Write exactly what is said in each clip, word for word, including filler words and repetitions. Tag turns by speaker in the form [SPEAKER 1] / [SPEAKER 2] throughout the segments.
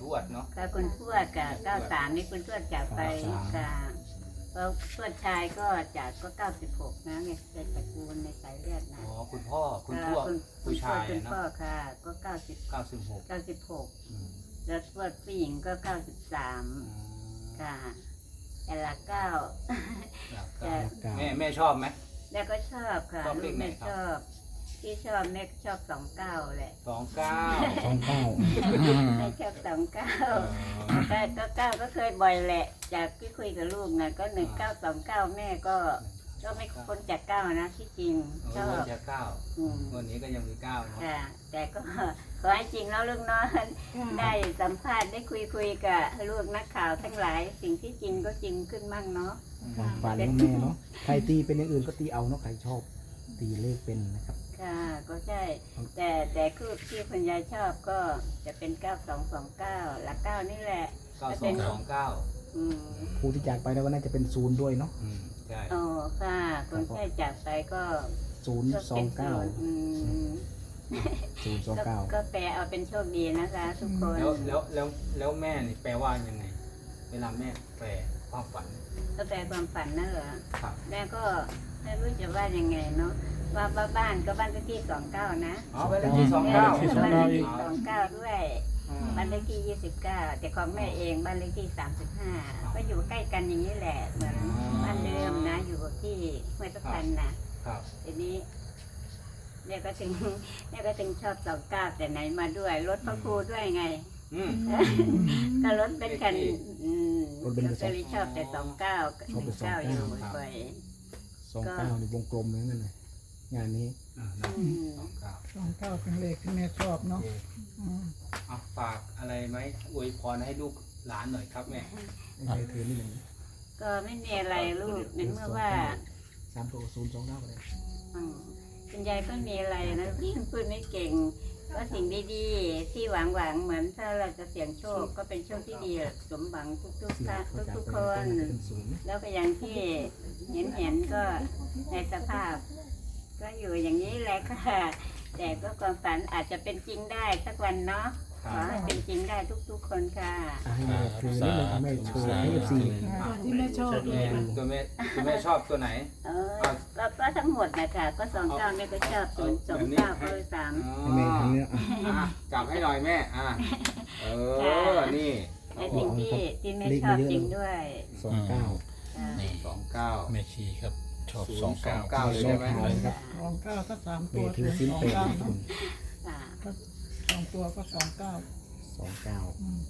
[SPEAKER 1] ทวดเนาะ
[SPEAKER 2] ก็คุณทวดกับเก้าสามนี่คุณทวดจากไปกับแล้วทวดชายก็จากก็เก้าสิบหกนะเนี่ยเป็นตระกูลในสายเลือดนะ
[SPEAKER 1] อ๋อคุณพ่อคุณทวด
[SPEAKER 2] คุณ
[SPEAKER 1] ผู้ชาย
[SPEAKER 2] คุณ
[SPEAKER 1] เนาะ
[SPEAKER 2] พ่อค่ะ ก็เก้าสิบ
[SPEAKER 1] เก้าสิบหก
[SPEAKER 2] เก้าสิบหกแล้วทวดผู้หญิงก็เก้าสิบสามค่ะแต่ละเก้าแต่
[SPEAKER 1] แม่แม่ชอบไหม
[SPEAKER 2] แม่ก็ชอบค่ะ
[SPEAKER 1] ชอบเล
[SPEAKER 2] ลู
[SPEAKER 1] ข
[SPEAKER 2] ก
[SPEAKER 1] ไหน
[SPEAKER 2] แม่
[SPEAKER 1] ครับ
[SPEAKER 2] ชอบที่ชอบแม่ชอบสองเก้าแหละ
[SPEAKER 1] สองเก้า
[SPEAKER 3] สองเก้า
[SPEAKER 2] แม่ชอบสองเก้าแต่ก็เก้าก็เคยบ่อยแหละ จากที่คุยกับลูกนะก็หนึ่งเก้าสองเก้าแม่ก็ก็ไม่พ้นจากเก้านะที่จริงช
[SPEAKER 1] โอ้
[SPEAKER 2] อย บ
[SPEAKER 1] จะเก้า
[SPEAKER 2] อืม
[SPEAKER 1] วันนี้ก็ยังมีเก้าเนาะ
[SPEAKER 2] ค่ะ แต่ก็ขอให้จริงแล้วลูกเน้อยได้สัมภาษณ์ได้คุยคุยกับลูกนักข่าวทั้งหลาย สิ่งที่จริงก็จริงขึ้นมั่งเนาะ
[SPEAKER 3] ความฝันของแม่เนาะใครตีเป็นอย่างอื่นก็ตีเอาเนาะใครชอบตีเลขเป็นนะครับ
[SPEAKER 2] ค่ะก็ใช่ แต่แต่คือที่คุณยายชอบก็จะเป็นเก้าสองสองเก้าหลักเก้านี่แหละ
[SPEAKER 1] เก้าสองสองเก้า
[SPEAKER 2] อืม
[SPEAKER 3] ครูที่จากไปแล้วก็น่าจะเป็นศูนย์ด้วยเนาะ
[SPEAKER 1] อืมใช่
[SPEAKER 2] อ๋อค่ะคนแค่จากไปก็
[SPEAKER 3] ศูนย์
[SPEAKER 2] ก็
[SPEAKER 3] สอ
[SPEAKER 2] เป็
[SPEAKER 3] ง
[SPEAKER 2] น
[SPEAKER 3] เก้า
[SPEAKER 2] ศูนย์อืม
[SPEAKER 3] ศูนย์สอง
[SPEAKER 2] ก็
[SPEAKER 3] เก้า
[SPEAKER 2] ก็แปลเอาเป็นโชคดีนะคะ ทุกคน
[SPEAKER 1] แล้วแล้วแล้วแล้วแม่นี่แปลว่ายังไง เวลาแม่แปลความฝัน
[SPEAKER 2] ก็แปลความฝันนั่นเหรอ
[SPEAKER 1] ครับ
[SPEAKER 2] แม่ก็ไม่รู้จะว่ายังไงเนาะว่าบ้านบ้านก็บ้านเลขที่สองเก้านะ
[SPEAKER 1] อ๋อเป็นเลขที่สองเก้า
[SPEAKER 2] บ้านเลขที่สองเก้าด้วยบ้านเลขที่ยี่สิบเก้าแต่ของแม่เองบ้านเลขที่สามสิบห้าก็อยู่ใกล้กันอย่างนี้แหละเหมือนบ้านเดิมนะอยู่ที่ห้วยตะพันนะครับ ทีนี้เนี่ยก็ถึงเนี่ยก็ถึงชอบสองเก้าแต่ไหนมาด้วยรถพระครูด้วยไง
[SPEAKER 1] อืม
[SPEAKER 2] ก็รถเป็นคันอืม
[SPEAKER 3] รถเป็น
[SPEAKER 2] ก็
[SPEAKER 3] สอง
[SPEAKER 2] เลยชอบแต่สองเก้าหนึ่งเก้าอยู่บ่อย
[SPEAKER 3] สองเก้าในวงกลมนั่นเลยงานนี้
[SPEAKER 1] อ่า
[SPEAKER 2] ๆ
[SPEAKER 1] นะ
[SPEAKER 2] อืม
[SPEAKER 1] สองเก้า
[SPEAKER 4] สองเก้าเป็นเลขที่แม่ชอบเนาะอืม
[SPEAKER 1] เอาฝากอะไรไหมอวยพรให้ลูกหลานหน่อยครับแม่
[SPEAKER 3] ไอ้เธอนี่หนึ่ง
[SPEAKER 2] ก็ไม่มีอะไรลูกในเมื่อว่า
[SPEAKER 3] สามตัวศูนย์สองเก้าไปเลย
[SPEAKER 2] อืมคุณยายก็มีอะไรนะพูดไม่เก่ง ก็สิ่งดีๆที่หวังหวังๆเหมือนถ้าเราจะเสี่ยงโชคก็เป็นโชคที่ดีสมหวังทุกๆ
[SPEAKER 3] เสีย
[SPEAKER 2] ท่าน
[SPEAKER 3] เขาจาก
[SPEAKER 2] ทุก
[SPEAKER 3] ไป
[SPEAKER 2] ๆคน
[SPEAKER 3] ก็เป็นศูนย์
[SPEAKER 2] แล้วก็อย่างที่เห็นเห็นๆก็ในสภาพ ก็อยู่อย่างนี้แหละค่ะ แต่ก็ความฝันอาจจะเป็นจริงได้สักวันเนาะ
[SPEAKER 1] ค
[SPEAKER 2] ข
[SPEAKER 1] รั
[SPEAKER 2] อบ ให้เป็นจริงได้ทุกๆคนค่ะ
[SPEAKER 3] อ่ะให้แม่ถือนิดหนึ่งให้แม่โชว์ให้เอฟซี
[SPEAKER 4] อ่าที่แม่ชอบ
[SPEAKER 1] แม่ตัวแม่ตัวแม่ชอบตัวไหน
[SPEAKER 2] เออก็ก็ทั้งหมดนะคะก็สองเก้าแม่ก็ชอบศูนย์สองเก้าก็สาม
[SPEAKER 3] ให้แม่ทำเนี้ยอ่ะ
[SPEAKER 1] อ่ะจับให้หน่อยแม่อ่ะเออนี่
[SPEAKER 2] ในสิ่งที่ที่แม่ชอบจริงด้วย
[SPEAKER 3] สองเก้า
[SPEAKER 2] ค่ะ
[SPEAKER 5] นี่
[SPEAKER 1] สองเก้า
[SPEAKER 5] แม่ชีครับชอบ
[SPEAKER 1] ศู
[SPEAKER 5] สอน ง
[SPEAKER 1] ย์สอ
[SPEAKER 5] เก้าง
[SPEAKER 1] เก้าเลยใช่ไหม
[SPEAKER 3] ครับ
[SPEAKER 4] สองเก้าก็สาม
[SPEAKER 3] เม
[SPEAKER 4] ตัว
[SPEAKER 3] ถือสิ้น
[SPEAKER 4] สอง
[SPEAKER 3] เป็ด
[SPEAKER 4] เก้า
[SPEAKER 3] นะคุณ
[SPEAKER 2] ค่ะ
[SPEAKER 4] สองตัวก็สองเก้า
[SPEAKER 3] สองเก้า
[SPEAKER 4] อืม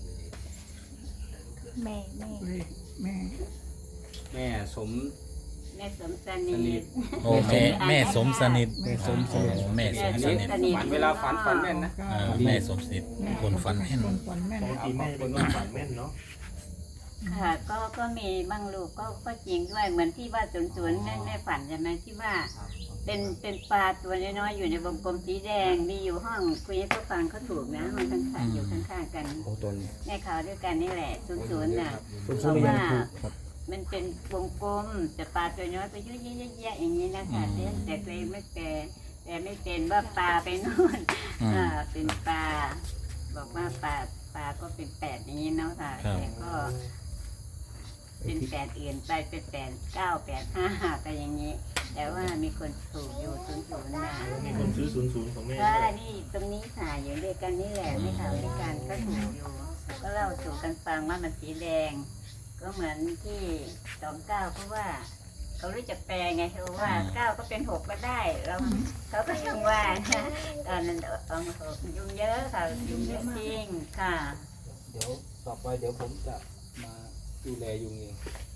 [SPEAKER 6] แม่แม่
[SPEAKER 4] เลขแม่
[SPEAKER 1] แม่สม
[SPEAKER 2] แม่สมส
[SPEAKER 1] ส
[SPEAKER 2] นิ
[SPEAKER 1] นิ
[SPEAKER 2] ท
[SPEAKER 1] ท
[SPEAKER 5] โอ้แม่แม่สมสนิท
[SPEAKER 3] แม่สมส
[SPEAKER 5] โอ้
[SPEAKER 3] นิท
[SPEAKER 5] แม่สมสนิท
[SPEAKER 1] ฝันเวลาฝันฝันแม่นนะ
[SPEAKER 5] เออแม่สมสนิทคนฝันแม่น
[SPEAKER 4] คนฝันแม่น
[SPEAKER 7] ปกติแม่เป็นคนฝันแม่นเนาะ
[SPEAKER 2] ค่ะ ก็ก็มีบางลูกก็ก็จริงด้วยเหมือนที่ว่าศูนย์ศูนย์แม่แม่ฝันใช่ไหมที่ว่า เป็นเป็นปลาตัวน้อยๆอยู่ในวงกลมสีแดงมีอยู่ห้องคุยให้เขาฟังเขาถูกนะห้องข้างๆอยู่ข้างๆกัน
[SPEAKER 3] โอ้ตัวนี้
[SPEAKER 2] แม่ข่าวด้วยกันนี่แหละศูนย์ศูนย์น่ะ
[SPEAKER 3] ศูนย์ศูนย์ก็ยังถูกครับ
[SPEAKER 2] มันเป็นวงกลมแต่ปลาตัวน้อยไปยุ่ยๆแยะๆอย่างนี้นะคะแต่แต่ตัวเองไม่แต่แต่ไม่เป็นว่าปลาไปนู่น
[SPEAKER 5] อืม
[SPEAKER 2] อ่าเป็นปลาบอกว่าปลาปลาก็เป็นแปดอย่างนี้เนาะค่ะ
[SPEAKER 5] ครับ
[SPEAKER 2] แต่ก็เป็นแปดอื่นไปเป็นแปดเก้าแปดห้าไปอย่างนี้ แต่ว่ามีคนถูกอยู่ศูนย์ศูนย์นะ
[SPEAKER 7] มีคนซื้อศูนย์ศูนย์ของแม่
[SPEAKER 2] ก็
[SPEAKER 7] ด้วย
[SPEAKER 2] นี่ตรงนี้ค่ะอยู่ด้วยกันนี่แหละไม่ข่าวด้วยกันก็ถูกอยู่ ก็เล่าสู่กันฟังว่ามันสีแดง ก็เหมือนที่สองเก้าเพราะว่า เขารู้จักแปลไงเขาว่าเก้าก็เป็นหกก็ได้เราเขาก็ยังว่านะตอนนั้นเอามาหกยุ่งเยอะค่ะยุ่งเยอะจริงค่ะ
[SPEAKER 1] เดี๋ยวต่อไปเดี๋ยวผมจะมาดูแลยุงเอง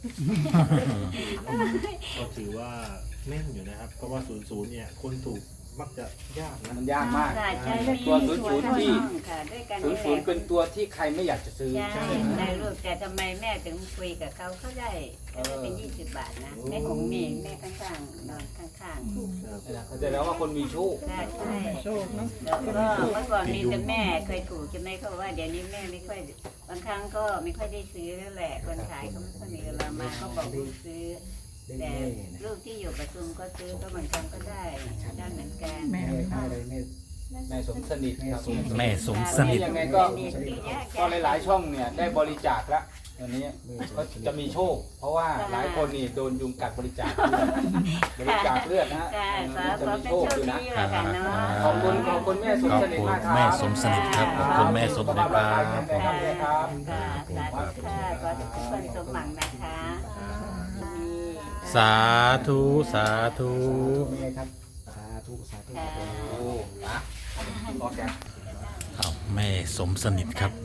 [SPEAKER 7] ก็ถือว่าแม่นอยู่นะครับ เพราะว่าศูนย์ศูนย์เนี่ยคนถูกมักจะยากนะ
[SPEAKER 1] มันยากมาก
[SPEAKER 2] ค่ะใช่
[SPEAKER 1] ตัวศูนย์ศูนย์ที่
[SPEAKER 2] ค่ะด้วยกัน
[SPEAKER 1] ศูน
[SPEAKER 2] นี่
[SPEAKER 1] ย์
[SPEAKER 2] แห
[SPEAKER 1] ศูน
[SPEAKER 2] ละ
[SPEAKER 1] ย์เป็นตัวที่ใครไม่อยากจะซื้อ
[SPEAKER 2] ใช่ได้ลูกแต่ทำไมแม่ถึงคุยกับเขาเขาได้ก็ได้เป็นยี่สิบบาทนะแม่ของเมย์แม่ข้างๆนอนข้าง
[SPEAKER 7] ครับ
[SPEAKER 1] เขาจะแล้วว่าคนมีโชค
[SPEAKER 2] ๆใช่ใช่
[SPEAKER 4] โชคเนาะ
[SPEAKER 2] แล้วก็เมื่อก่อนมีแต่แม่เคยถูกใช่ไหมเขาบอกว่าเดี๋ยวนี้แม่ไม่ค่อยบางครั้งก็ไม่ค่อยได้ซื้อแล้วแหละคนขายก็ไม่ค่อยมีเวลามาเขาบอกลูกซื้อ
[SPEAKER 3] ได้
[SPEAKER 2] แต่
[SPEAKER 3] แม่นะ
[SPEAKER 2] ลูกที่อยู่ประชุมก็ซื้อก็บางครั้งก็ได้ได้เหมือนกัน
[SPEAKER 3] แม่ได้อะไรแม่
[SPEAKER 1] แม่สมสนิทครับ
[SPEAKER 5] แม่สมสนิท
[SPEAKER 1] ยังไงก็ก็หลายๆช่องเนี่ยได้บริจาคแล้ววันนี้ก็จะมีโชค เพราะว่าหลายคนนี่โดนยุงกัดบริจาคด้วยบริจาคเลือดนะฮะ
[SPEAKER 2] ค่ะขอ
[SPEAKER 1] จะ
[SPEAKER 2] ขอ
[SPEAKER 1] มี
[SPEAKER 2] เป็น
[SPEAKER 1] โชค
[SPEAKER 2] โชค
[SPEAKER 1] อยู่
[SPEAKER 2] ดี
[SPEAKER 1] นะ
[SPEAKER 2] แล้วกันเนาะ
[SPEAKER 1] ขอบคุณขอบคุณแม่สม
[SPEAKER 5] ขอบ
[SPEAKER 1] สนิท
[SPEAKER 5] คุณ
[SPEAKER 1] มากครับ
[SPEAKER 5] แม่สมสนิทครับขอบคุณแม่สมสนิทครับ
[SPEAKER 1] ครับ
[SPEAKER 2] ค่ะสาธุค่ะขอให้ทุกคนสมหวังนะคะมี
[SPEAKER 5] สาธุสาธุ
[SPEAKER 3] เป็นไงครับสาธุสาธุ
[SPEAKER 2] ค่ะ
[SPEAKER 1] โอ้อะโอเค
[SPEAKER 5] เอาแม่สมสนิทครับ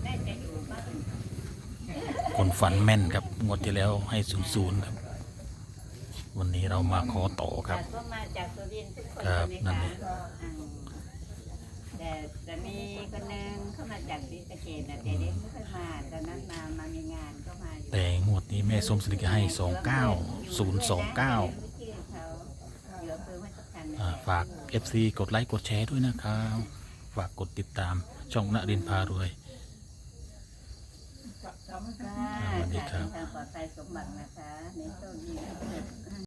[SPEAKER 5] คนฝันแม่นครับงวดที่แล้วให้ศูนย์ศูนย์ครับ วันนี้เรามาขอต่อครับ
[SPEAKER 2] ก็มาจากสุรินทร์ทุกคน
[SPEAKER 5] ครับ
[SPEAKER 2] เลย
[SPEAKER 5] นั่น
[SPEAKER 2] ค่ะ
[SPEAKER 5] เอง
[SPEAKER 2] อืมแต่แต่มีคนหนึงเข้ามาจากศรีสะเกษนะแต่เด็กไม่ค่อยมาตอนนั้นมามามีงานก็มาอยู่
[SPEAKER 5] แต่งวดนี้แม่สมสนิทก็ให้สองเก้าศูนย์สองเก้า
[SPEAKER 2] ชื่อเขาอยู่อำเภอห้วยทับทันนะ
[SPEAKER 5] อ่าฝาก เอฟ ซี กดไลค์กดแชร์ด้วยนะครับ ฝากกดติดตามช่องณรินทร์พารวย
[SPEAKER 2] ค่ะ
[SPEAKER 5] สวัสดีครับ
[SPEAKER 2] ทางปลอดภัยสมบัตินะคะในโชคดี